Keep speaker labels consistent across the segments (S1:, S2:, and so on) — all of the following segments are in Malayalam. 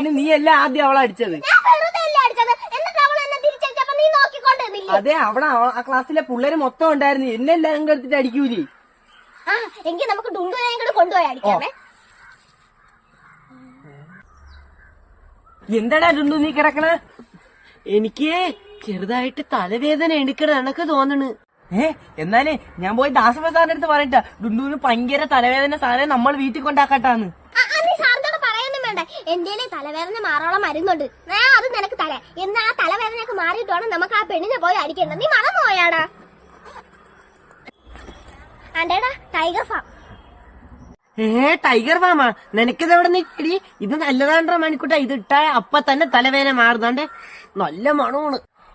S1: അതിന് നീ അല്ല ആദ്യം അവളെ അടിച്ചത്. അതെ, അവിടെ ആ ക്ലാസ്സിലെ പിള്ളേര് മൊത്തം ഉണ്ടായിരുന്നു. എന്നെ എല്ലാം എടുത്തിട്ട് അടിക്കൂലേ?
S2: എങ്കിൽ നമുക്ക് ഡുണ്ടുവിനെ കൊണ്ടുപോയി അടിക്കാമേ.
S1: എന്താടാ ഡുണ്ടു നീ കിടക്കണ? എനിക്ക് ചെറുതായിട്ട് തലവേദന എടുക്കണ എനക്ക് തോന്നണ്. എന്നാലേ ഞാൻ പോയി ദാസപ്പ സാറിന്റെ അടുത്ത് പറയട്ടാ, ഡുണ്ടുവിന് ഭയങ്കര തലവേദന, സാധനം നമ്മൾ വീട്ടിൽ കൊണ്ടാക്കാട്ടാന്ന്.
S2: വേണ്ട, എന്റെ തലവേദന മാറാനുള്ള മരുന്നുണ്ട്. അത് നിനക്ക് തല എന്നാ ആ തലവേദനയൊക്കെ മാറിയിട്ട് വേണം നമുക്ക് ആ പെണ്ണിനെ പോയി അടിക്കേണ്ടത്. നീ മറന്നു പോയാടാ? അണ്ടേടാ ടൈഗർ ഫാം.
S1: ടൈഗർ ഫാമാ? നിനക്കിത് എവിടെ നിൽക്കടി? ഇത് നല്ലതാണ്ടാ മണിക്കൂട്ടാ. ഇത് ഇട്ടാ അപ്പ തന്നെ തലവേദന മാറുന്നാണ്ട്. നല്ല മണമാണ്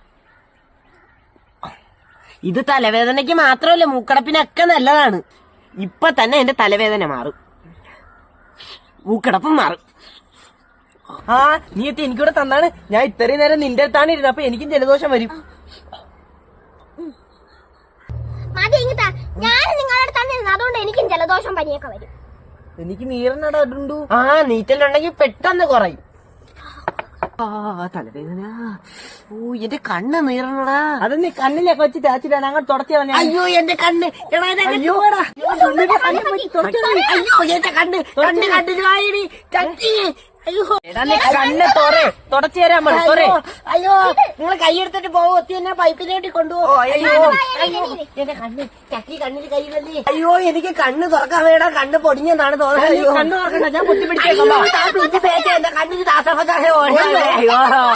S1: ഇത്. തലവേദനയ്ക്ക് മാത്രമല്ല, മൂക്കടപ്പിനൊക്കെ നല്ലതാണ്. ഇപ്പൊ തന്നെ എന്റെ തലവേദന മാറും, മൂക്കടപ്പും മാറും. നീ എത്തി എനിക്കൂടെ തന്നാണ്. ഞാൻ ഇത്രയും നേരം നിന്റെ അടുത്താണ് ഇരുന്നത്. അപ്പൊ എനിക്കും ജലദോഷം വരും.
S2: ഞാൻ നിങ്ങളുടെ അടുത്താണ്, അതുകൊണ്ട് എനിക്കും ജലദോഷം പനിയൊക്കെ വരും.
S1: എനിക്ക് നീറന്നടാ. നീറ്റലുണ്ടെങ്കിൽ പെട്ടെന്ന് കുറയും. തലവേദന. എന്റെ കണ്ണ് നീറണടാ. അത് നീ കണ്ണിലൊക്കെ വെച്ച് തേച്ചിട്ടാണ് അങ്ങോട്ട് തുടച്ചു. അയ്യോ എന്റെ കണ്ണ്. അയ്യോ എന്റെ കണ്ണ് കണ്ണിന് വായടി ചട്ടി. അയ്യോ കണ്ണ് തുടച്ചു തരാൻ മതി. അയ്യോ നിങ്ങൾ കൈയെടുത്തിട്ട് പോവോ? എന്നെ പൈപ്പിലോട്ട് കൊണ്ടുപോകും. അയ്യോ എന്റെ കണ്ണ് ചട്ടി കണ്ണിൽ കൈവല്ലേ. അയ്യോ എനിക്ക് കണ്ണ് തുറക്കാൻ വേണ്ട, കണ്ണ് പൊടിഞ്ഞെന്നാണ് തോന്നുന്നത്. കണ്ണ് തുറക്കണ്ട, ഞാൻ പൊത്തിപ്പിടിച്ചേക്കാം. എന്റെ കണ്ണിന് ദാസപ്പ. അയ്യോ